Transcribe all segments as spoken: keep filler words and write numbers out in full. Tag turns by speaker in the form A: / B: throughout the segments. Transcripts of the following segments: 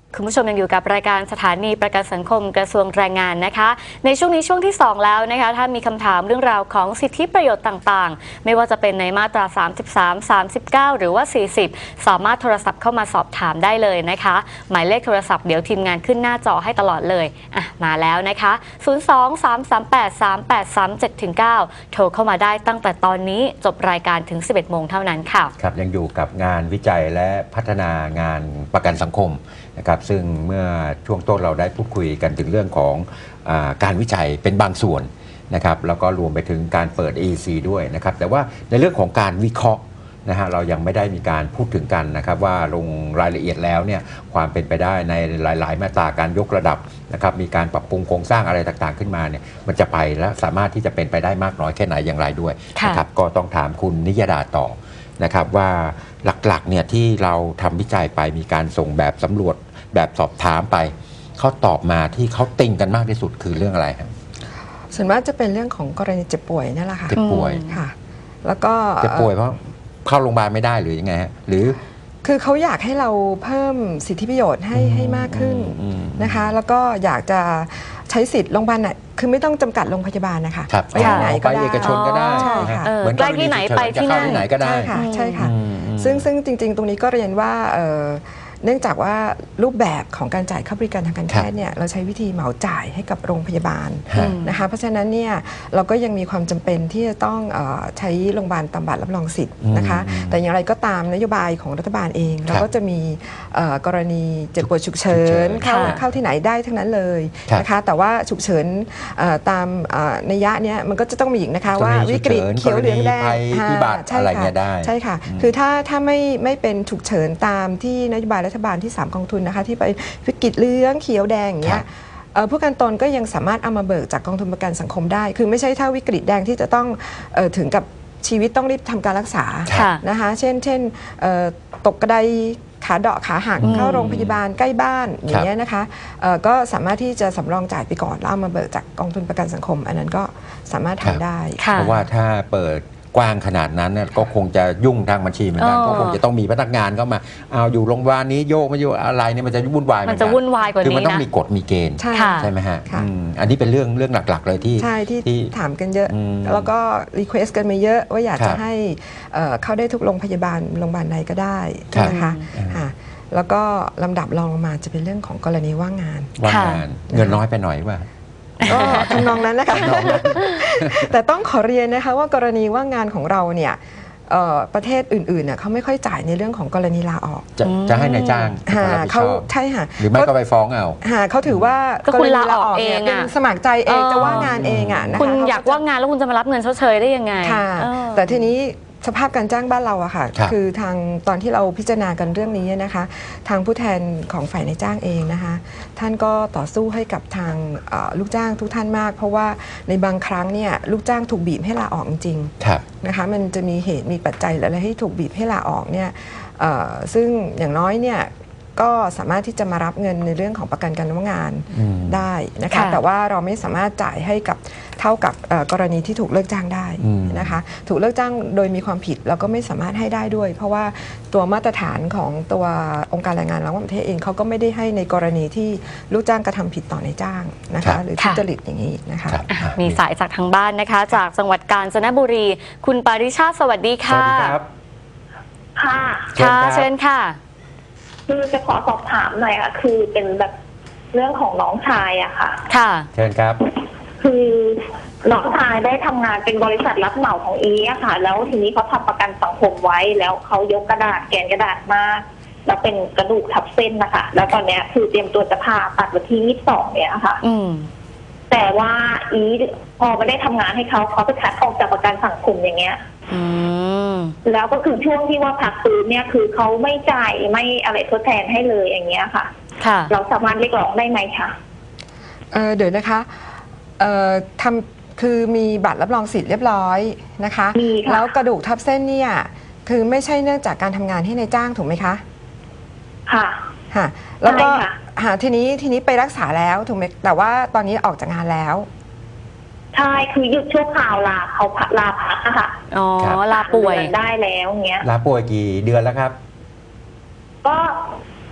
A: คุณผู้ชมยังอยู่กับรายการสถานีประกันสังคมกระทรวงแรงงานนะคะในช่วงนี้ช่วงที่สองแล้วนะคะถ้ามีคำถามเรื่องราวของสิทธิประโยชน์ต่างๆไม่ว่าจะเป็นในมาตราสามสิบสาม สามสิบเก้าหรือว่าสี่สิบสามารถโทรศัพท์เข้ามาสอบถามได้เลยนะคะหมายเลขโทรศัพท์เดี๋ยวทีมงานขึ้นหน้าจอให้ตลอดเลยอ่ะมาแล้วนะคะศูนย์ สอง สาม สาม แปด สาม แปด สาม เจ็ด เก้า โทรเข้ามาได้ตั้งแต่ตอนนี้จบรายการถึง สิบเอ็ด โมงเท่านั้นค่ะ
B: ครับยังอยู่กับงานวิจัยและพัฒนางานประกันสังคมนะครับซึ่งเมื่อช่วงต้นเราได้พูดคุยกันถึงเรื่องของอาการวิจัยเป็นบางส่วนนะครับแล้วก็รวมไปถึงการเปิด เอ ซี ด้วยนะครับแต่ว่าในเรื่องของการวิเคราะห์นะฮะเรายังไม่ได้มีการพูดถึงกันนะครับว่าลงรายละเอียดแล้วเนี่ยความเป็นไปได้ในหลายๆมาตราการยกระดับนะครับมีการปรับปรุงโครงสร้างอะไรต่างๆขึ้นมาเนี่ยมันจะไปและสามารถที่จะเป็นไปได้มากน้อยแค่ไหนอย่างไรด้วยนะครับก็ต้องถามคุณนิยดาต่อนะครับว่าหลักๆเนี่ยที่เราทำวิจัยไปมีการส่งแบบสำรวจแบบสอบถามไปเขาตอบมาที่เขาติงกันมากที่สุดคือเรื่องอะไรครับ
C: ส่วนมากจะเป็นเรื่องของกรณีเจ็บป่วยนั่นแหละค่ะ
B: เจ็บป่วย
C: ค่ะแล้วก็
B: เจ็บป่วยเพราะเข้าโรงพยาบาลไม่ได้หรือยังไงฮะหรือ
C: คือเขาอยากให้เราเพิ่มสิทธิประโยชน์ให้ให้มากขึ้นนะคะแล้วก็อยากจะใช้สิทธิ์โรงพยาบาลน่ะคือไม่ต้องจำกัดโรงพยาบาลนะคะ
B: ไปที่ไหนก็ได้ไปเอกชนก็ได้
C: ใช่ค่ะ
A: เหมือนใกล้ที่ไหนไปที่นั่น
B: ไหนก็ได้
C: ใช่ค่ะใช่ค่ะซึ่งซึ่งจริงๆตรงนี้ก็เรียนว่าเนื่องจากว่ารูปแบบของการจ่ายค่าบริการทางการแพทย์เนี่ยเราใช้วิธีเหมาจ่ายให้กับโรงพยาบาลนะคะเพราะฉะนั้นเนี่ยเราก็ยังมีความจำเป็นที่จะต้องใช้โรงพยาบาลตามบัตรรับรองสิทธิ์นะคะแต่อย่างไรก็ตามนโยบายของรัฐบาลเองเราก็จะมีกรณีเจ็บป่วยฉุกเฉินเข้าเข้าที่ไหนได้ทั้งนั้นเลยนะคะแต่ว่าฉุกเฉินตามนัยยะเนี้ยมันก็จะต้องมีอีกนะคะว่าวิกฤตเขียวเหลืองแดง
B: ใช่ค่ะ
C: ใช่ค่ะคือถ้าถ้าไม่ไม่เป็นฉุกเฉินตามที่นโยบายรัฐบาลที่สามกองทุนนะคะที่ไปวิกฤตเหลืองเขียวแดงอย่างเงี้ยผู้ประกันตนก็ยังสามารถเอามาเบิกจากกองทุนประกันสังคมได้คือไม่ใช่ถ้าวิกฤตแดงที่จะต้องเอ่อถึงกับชีวิตต้องรีบทำการรักษานะคะเช่นเช่นตกกระไดขาเดาะขาหักเข้าโรงพยาบาลใกล้บ้านอย่างเงี้ยนะคะก็สามารถที่จะสำรองจ่ายไปก่อนแล้วเอามาเบิกจากกองทุนประกันสังคมอันนั้นก็สามารถทำได้
B: เพราะว่าถ้าเปิดกว้างขนาดนั้นก็คงจะยุ่งทางบัญชีเหมือนกันก็คงจะต้องมีพนักงานเข้ามาเอาอยู่โรงพยาบาลนี้โยกมาอยู่อะไรเนี่ยมันจะวุ่นวาย
A: มันจะวุ่นวายกว่านี้นะ
B: คือมันต้องมีกฎมีเกณฑ์ใช่ไหมฮะอันนี้เป็นเรื่องเรื่องหลักๆเลยที่
C: ใช่ที่ถามกันเยอะแล้วก็รีเควสกันมาเยอะว่าอยากจะให้เข้าได้ทุกโรงพยาบาลโรงพยาบาลใดก็ได้นะคะแล้วก็ลำดับรองลงมาจะเป็นเรื่องของกรณีว่างงาน
B: ว่างงานเงินน้อยไปหน่อยว่า
C: ก็ทำนองนั้นนะคะแต่ต้องขอเรียนนะคะว่ากรณีว่างงานของเราเนี่ยประเทศอื่นๆเนี่ยเขาไม่ค่อยจ่ายในเรื่องของกรณีลาออก
B: จะจะให้นายจ้าง
C: เขาใช่ค่ะ
B: หรือไม่ก็ไปฟ้องเอา
C: เขาถือว่ากรณีลาออกเองเป็นสมัครใจเองจะว่างงานเองอ่ะนะคะ
A: คุณอยากว่างงานแล้วคุณจะมารับเงินชดเชยได้ยังไง
C: ค่ะแต่ทีนี้สภาพการจ้างบ้านเราอะค่ะคือทางตอนที่เราพิจารณากันเรื่องนี้นะคะทางผู้แทนของฝ่ายนายจ้างเองนะคะท่านก็ต่อสู้ให้กับทางลูกจ้างทุกท่านมากเพราะว่าในบางครั้งเนี่ยลูกจ้างถูกบีบให้ลาออกจริงๆนะคะมันจะมีเหตุมีปัจจัยอะไรให้ถูกบีบให้ลาออกเนี่ยซึ่งอย่างน้อยเนี่ยก็สามารถที่จะมารับเงินในเรื่องของประกันการว่างงานได้นะคะแต่ว่าเราไม่สามารถจ่ายให้กับเท่ากับกรณีที่ถูกเลิกจ้างได้นะคะถูกเลิกจ้างโดยมีความผิดเราก็ไม่สามารถให้ได้ด้วยเพราะว่าตัวมาตรฐานของตัวองค์การแรงงานระหว่างประเทศเองเขาก็ไม่ได้ให้ในกรณีที่ลูกจ้างกระทำผิดต่อนายจ้างนะคะหรือทุจริตอย่างนี้นะคะ
A: มีสายจากทางบ้านนะคะจากจังหวัดกาญจนบุรีคุณปาริชาติสวัสดีค่ะ
B: สวัสดีครับ
D: ค่ะ
A: ค่ะเชิญค่ะ
D: คือจะขอสอบถามหน่อยค่ะคือเป็นแบบเรื่องของน้องชายอะค่ะ
A: ค่ะ
B: เชิญครับ
D: คือน้องชายได้ทำงานเป็นบริษัทรับเหมาของอีอะค่ะแล้วทีนี้เขาทำประกันสังคมไว้แล้วเขายกกระดาษแกนกระดาษมาแล้วเป็นกระดูกทับเส้นนะคะแล้วตอนนี้คือเตรียมตัวจะผ่าตัดวันที่ยี่สิบสองเนี่ยค่ะ
A: อืม
D: แต่ว่าอีพอไม่ได้ทำงานให้เขาเขาไปคัดออกจากประกันสังคมอย่างเงี้ย
A: อืม
D: แล้วก็คือช่วงที่ว่าพักฟื้นเนี่ยคือเขาไม่จ่ายไม่อะไรทดแทนให้เลยอย่างเงี้ยค่ะ
A: ค่ะ
D: เราสามารถเรียกร้องได้ไหมคะ
C: เออเดี๋ยวนะคะเอ่อทำคือมีบัตรรับรองสิทธิ์เรียบร้อยนะคะแล้วกระดูกทับเส้นเนี่ยคือไม่ใช่เนื่องจากการทำงานให้ในายจ้างถูกไหมคะ
D: ค่ะ
C: ค่ะแล้วก็หาทีนี้ทีนี้ไปรักษาแล้วถูกไหมแต่ว่าตอนนี้ออกจากงานแล้ว
D: ใช่คือหยุดชั่วคราวลาเขาลาพักค่ะ
A: อ๋อลาป่วย
D: ได้แล้วเงี้ย
B: ลาป่วยกี่เดือนแล้วครับ
D: ก็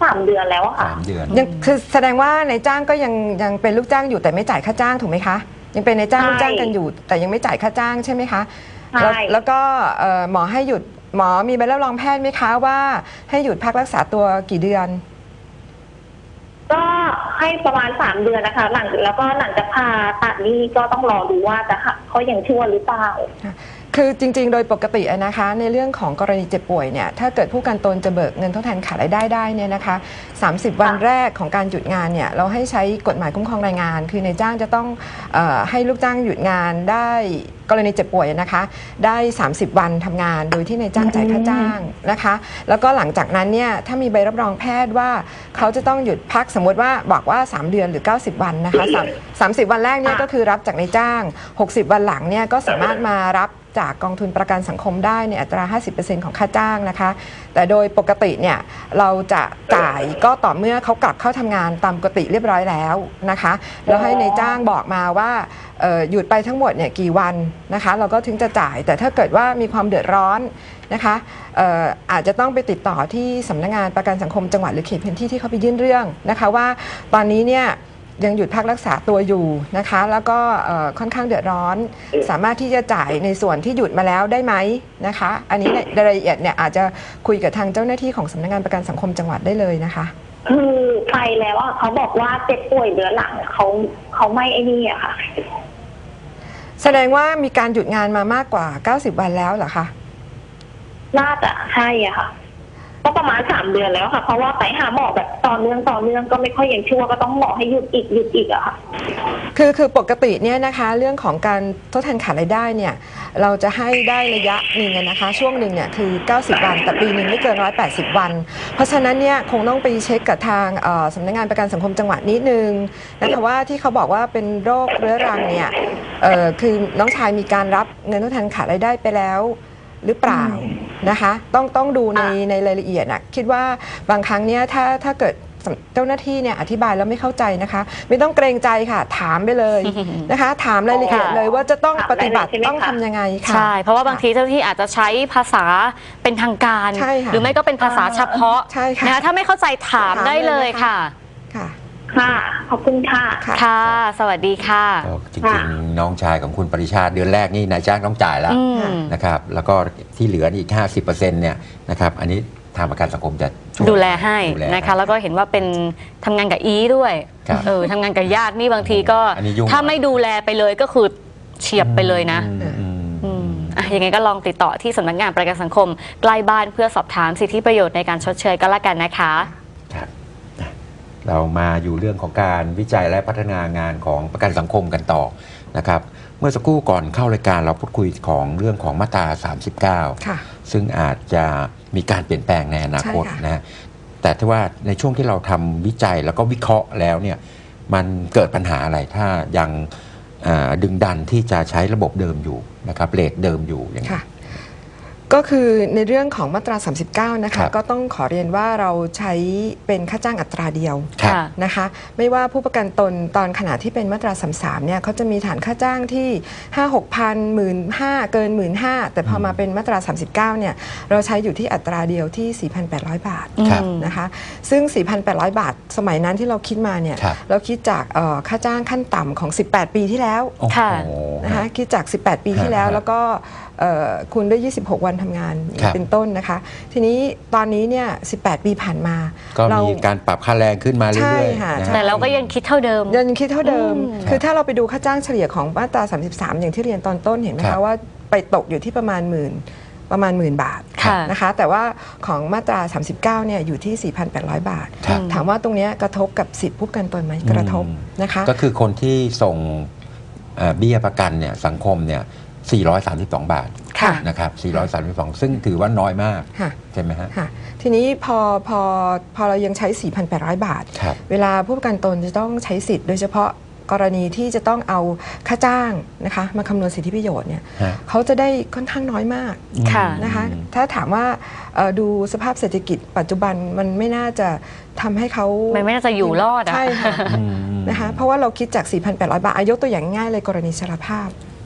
D: สามเดือนแล้วอะค่ะ
B: สามเดือน
C: ยังคือแสดงว่านายจ้างก็ยังยังเป็นลูกจ้างอยู่แต่ไม่จ่ายค่าจ้างถูกไหมคะยังเป็นนายจ้าง
D: ใช่
C: ลูกจ้างกันอยู่ แต่ยังไม่จ่ายค่าจ้างใช่ไหมคะ
D: ใช่
C: แล้วแล้วก็เอ่อหมอให้หยุดหมอมีใบรับรองแพทย์ไหมคะว่าให้หยุดพักรักษาตัวกี่เดือน
D: ก็ให้ประมาณสามเดือนนะคะหลังแล้วก็หลังจากผ่าตัดนี่ก็ต้องรอดูว่าจะเขายังชั่วหรือเปล่า
C: คือจริงๆ โดยปกติอะนะคะในเรื่องของกรณีเจ็บป่วยเนี่ยถ้าเกิดผู้ประกันตนจะเบิกเงินทดแทนขาดรายได้ได้เนี่ยนะคะสามสิบวันแรกของการหยุดงานเนี่ยเราให้ใช้กฎหมายคุ้มครองแรงงาน คือนายจ้างจะต้องเออให้ลูกจ้างหยุดงานได้กรณีเจ็บป่วยนะคะได้สามสิบวันทำงานโดยที่นายจ้างจ่ายค่าจ้างนะคะแล้วก็หลังจากนั้นเนี่ยถ้ามีใบรับรองแพทย์ว่าเขาจะต้องหยุดพักสมมติว่าบอกว่าสามเดือนหรือเก้าสิบวันนะคะสามสิบวันแรกเนี่ยก็คือรับจากนายจ้างหกสิบวันหลังเนี่ยก็สามารถมารับจากกองทุนประกันสังคมได้ในอัตรา ห้าสิบเปอร์เซ็นต์ ของค่าจ้างนะคะแต่โดยปกติเนี่ยเราจะจ่ายก็ต่อเมื่อเขากลับเข้าทำงานตามปกติเรียบร้อยแล้วนะคะแล้วให้นายจ้างบอกมาว่าเอ่อหยุดไปทั้งหมดเนี่ยกี่วันนะคะเราก็ถึงจะจ่ายแต่ถ้าเกิดว่ามีความเดือดร้อนนะคะเอ่ออาจจะต้องไปติดต่อที่สำนักงานประกันสังคมจังหวัดหรือเขตพื้นที่ที่เขาไปยื่นเรื่องนะคะว่าตอนนี้เนี่ยยังหยุดพักรักษาตัวอยู่นะคะแล้วก็ค่อนข้างเดือดร้อนสามารถที่จะจ่ายในส่วนที่หยุดมาแล้วได้ไหมนะคะอันนี้ในรายละเอียดเนี่ยอาจจะคุยกับทางเจ้าหน้าที่ของสำนักงานประกันสังคมจังหวัดได้เลยนะคะ
D: คือไปแล้วอ่ะเขาบอกว่าเจ็บป่วยเดือนหลังเขาเขาไม่ไอ้นี่อะค่ะ
C: แสดงว่ามีการหยุดงานมามากกว่าเก้าสิบวันแล้วเหรอคะ
D: น่าจะใช่อะค่ะก็ประมาณสามเดือนแล้วค่ะเพราะว่าไปหาหมอแบบต่อเนื่องต่อเนื่องก็ไม่ค่อยยังชั่วก็ต้องหมอให้หยุดอีกหยุดอีกอะค่ะ
C: คือคือปกติเนี่ยนะคะเรื่องของการทดแทนขาดรายได้เนี่ยเราจะให้ได้ระยะหนึ่งนะคะช่วงหนึ่งเนี่ยคือเก้าสิบวันแต่ปีหนึ่งไม่เกินหนึ่งร้อยแปดสิบวันเพราะฉะนั้นเนี่ยคงต้องไปเช็คกับทางสำนักงานประกันสังคมจังหวัดนิดนึงนะคะว่าที่เขาบอกว่าเป็นโรคเรื้อรังเนี่ยคือน้องชายมีการรับเงินทดแทนขาดรายได้ไปแล้วหรือเปล่านะคะต้องต้องดูในในรายละเอียดนะคิดว่าบางครั้งเนี่ยถ้าถ้าเกิดเจ้าหน้าที่เนี่ยอธิบายแล้วไม่เข้าใจนะคะไม่ต้องเกรงใจค่ะถามไปเลยนะคะถามรายละเอียดเลยว่าจะต้องปฏิบัติต้องทำยังไงค่ะ
A: ใช่เพราะว่าบางทีเจ้าหน้าที่อาจจะใช้ภาษาเป็นทางการหรือไม่ก็เป็นภาษาเฉพาะนะคะถ้าไม่เข้าใจถามได้เลยค่ะ
C: ค่ะ
D: ค่ะขอบคุณค่ะ
A: ค่ะสวัสดีค่ะ
B: จริงๆน้องชายของคุณปริชาติเดือนแรกนี่นายจ้างต้องจ่ายแล้วนะครับแล้วก็ที่เหลืออีก ห้าสิบเปอร์เซ็นต์ เนี่ยนะครับอันนี้ทางประกันสังคมจะ
A: ดูแลให้นะคะแล้วก็เห็นว่าเป็นทำงานกับอีด้วยเออทำงานกับญาตินี่บางทีก็ถ้าไม่ดูแลไปเลยก็คือเฉียบไปเลยนะอ่ะยังไงก็ลองติดต่อที่สำนักงานประกันสังคมใกล้บ้านเพื่อสอบถามสิทธิประโยชน์ในการชดเชยก็แล้วกันนะคะ
B: เรามาอยู่เรื่องของการวิจัยและพัฒนางานของประกันสังคมกันต่อนะครับเมื่อสักครู่ก่อนเข้ารายการเราพูดคุยของเรื่องของมาตราสามสิบเก้าซึ่งอาจจะมีการเปลี่ยนแปลงในอนาคตนะแต่ถ้าว่าในช่วงที่เราทำวิจัยแล้วก็วิเคราะห์แล้วเนี่ยมันเกิดปัญหาอะไรถ้ายังดึงดันที่จะใช้ระบบเดิมอยู่นะครับเรทเดิมอยู่อย่างนี้
C: ก็คือในเรื่องของมาตราสามสิบเก้านะคะก็ต้องขอเรียนว่าเราใช้เป็นค่าจ้างอัตราเดียวนะคะไม่ว่าผู้ประกันตนตอนขณะที่เป็นมาตราสามสิบสามเนี่ยเขาจะมีฐานค่าจ้างที่ ห้าหกพัน หมื่นห้า เกิน หมื่นห้า แต่พอมาเป็นมาตราสามสิบเก้าเนี่ยเราใช้อยู่ที่อัตราเดียวที่ สี่พันแปดร้อย บาทนะคะซึ่ง สี่พันแปดร้อย บาทสมัยนั้นที่เราคิดมาเนี่ยเราคิดจากค่าจ้างขั้นต่ำของสิบแปดปีที่แล้วนะคะคิดจากสิบแปดปีที่แล้วแล้วก็คุณได้ยี่สิบหกวันทำงานเป็นต้นนะคะทีนี้ตอนนี้เนี่ยสิบแปดปีผ่านมา
B: ก็มีการปรับค่าแรงขึ้นมาเรื่อย
A: ๆแต่เราก็ยังคิดเท่าเดิม
C: ยังคิดเท่าเดิมคือถ้าเราไปดูค่าจ้างเฉลี่ยของมาตราสามสิบสามอย่างที่เรียนตอนต้นเห็นไหมคะว่าไปตกอยู่ที่ประมาณหมื่นประมาณหมื่นบาทนะคะแต่ว่าของมาตราสามสิบเก้าเนี่ยอยู่ที่ สี่พันแปดร้อย บาทถามว่าตรงนี้กระทบกับสิทธิผู้ประกันตนไหมกระทบนะคะ
B: ก็คือคนที่ส่งเบี้ยประกันเนี่ยสังคมเนี่ยสี่ร้อยสามสิบสอง บาทนะครับสี่ร้อยสามสิบสองซึ่งถือว่าน้อยมากใช่ไหมฮะ
C: ทีนี้พอพอพอเรายังใช้ สี่พันแปดร้อย บาทเวลาผู้ประกันตนจะต้องใช้สิทธิ์โดยเฉพาะกรณีที่จะต้องเอาค่าจ้างนะคะมาคำนวณสิทธิประโยชน์เนี่ยเขาจะได้ค่อนข้างน้อยมากนะคะถ้าถามว่าดูสภาพเศรษฐกิจปัจจุบันมันไม่น่าจะทำให้เขา
A: ไม่ไม่น่าจะอยู่รอด
C: ใช่ค่ะนะคะเพราะว่าเราคิดจาก สี่พันแปดร้อย บาทยกตัวอย่างง่ายเลยกรณีชราภาพ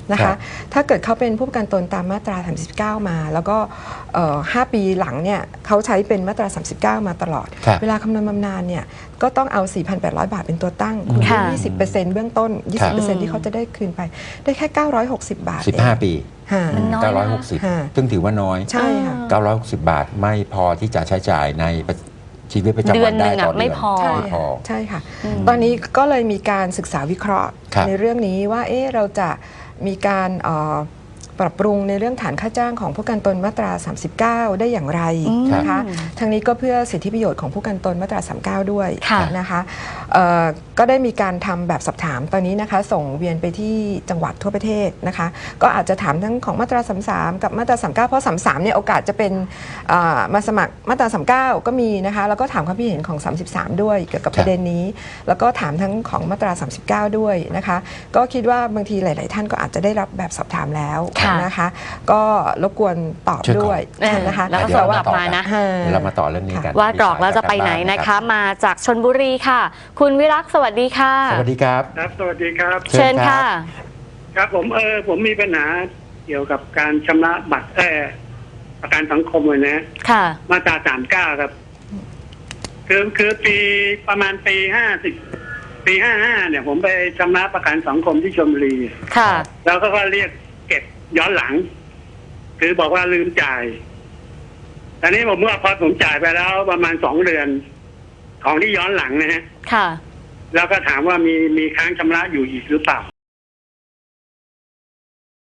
C: นะ
B: ครั
C: คะ
B: บ
C: ถ้าเกิดเขาเป็นผู้ประกันตนตามมาตราสามสิบเก้ามา แล้วก็เอ่อห้าปีหลังเนี่ยเขาใช้เป็นมาตราสามสิบเก้ามาตลอด
B: ครับ
C: เวลาคำนวณบำนาญเนี่ยก็ต้องเอา สี่พันแปดร้อย บาทเป็นตัวตั้งคูณ
A: ค่ะ
C: ยี่สิบเปอร์เซ็นต์เบื้องต้น ยี่
B: ครั
C: สิบเปอร์เซ็นต์
B: บ
C: ที่เขาจะได้คืนไปได้แค่เก้าร้อยหกสิบบาท
B: สิบห้า
C: เอง
B: ปี
C: ค่ะ
A: มันน้อยนะ
B: เก้าร้อยหกสิบ
C: ค่ะ
B: ซึ่งถือว่าน้อย
C: ใช่ค่ะ
B: เก้าร้อยหกสิบบาทไม่พอที่จะใช้จ่ายในชีวิตประจำวันได้
A: เดือนหนึ่งอะ
B: ต่อเดือน
A: ไม่พอ
C: ใช่
B: ไม่พอ
C: ค่ะใช่ค่ะ
A: อืม
C: ตอนนี้ก็เลยมีการศึกษาวิเคราะห์
B: ครับ
C: ในเรื่องนี้ว่าเอ๊ะเราจะมีการเอ่อปรับปรุงในเรื่องฐานค่าจ้างของผู้ประกันตนมาตรา สามสิบเก้า ได้อย่างไร
A: อืม
C: นะคะทางนี้ก็เพื่อสิทธิประโยชน์ของผู้ประกันตนมาตรา สามสิบเก้า ด้วย
A: ค่ะ
C: นะคะเอ่อก็ได้มีการทำแบบสอบถามตอนนี้นะคะส่งเวียนไปที่จังหวัดทั่วประเทศนะคะก็อาจจะถามทั้งของมาตรา สามสิบสาม กับมาตรา สามสิบเก้า เพราะ สามสิบสาม เนี่ยโอกาสจะเป็นเอ่อมาสมัครมาตรา สามสิบเก้า ก็มีนะคะแล้วก็ถามความคิดเห็นของ สามสิบสาม ด้วยเกี่ยวกับ
B: ครับ
C: ประเด็นนี้ แล้วก็ถามทั้งของมาตรา สามสิบเก้า ด้วยนะคะก็คิดว่าบางทีหลาย ๆ ท่านก็อาจจะได้รับแบบสอบถามแล้ว
A: ค่ะ
C: นะคะก็รบกวนตอบ
B: ช่วย
C: ด้วย
A: เออ
C: นะคะ
A: แล้วก็
B: เดี๋
A: ส่
B: ยว
A: ง
B: เรา
A: กลับ
B: มาต่อ
A: มานะ
C: ฮะ
B: เดี๋ยวเรามาต่อเรื่องนี้กัน
A: ว่ากรอกแล้วจะไปไหนนะคะ มาจากชลบุรีค่ะ คุณวิรักษ์สวัสดีค่ะ
B: สวัสดีครับ
E: ครับสวัสดีครับ
B: เชิ
A: เชิ
B: ญ
A: ญ
B: ครับ
A: ค่ะ
E: ครับผมเออผมมีปัญหาเกี่ยวกับการชำระบัตรเออประกันสังคมเลยนะ
A: ค่ะ
E: มาตราสามเก้าครับ คือคือปีประมาณปีห้าสิบปีห้าห้าเนี่ย ผมไปชำระประกันสังคมที่ชลบุรี
A: ค่ะ
E: แล้วก็ก็เรียกเก็บย้อนหลัง คือบอกว่าลืมจ่ายตอนนี้ผมว่าพอผมจ่ายไปแล้วประมาณสองเดือน ของที่ย้อนหลังนะฮะ
A: ค่ะ
E: แล้วก็ถามว่ามีมีค้างชำระอยู่อีกหรือเปล่า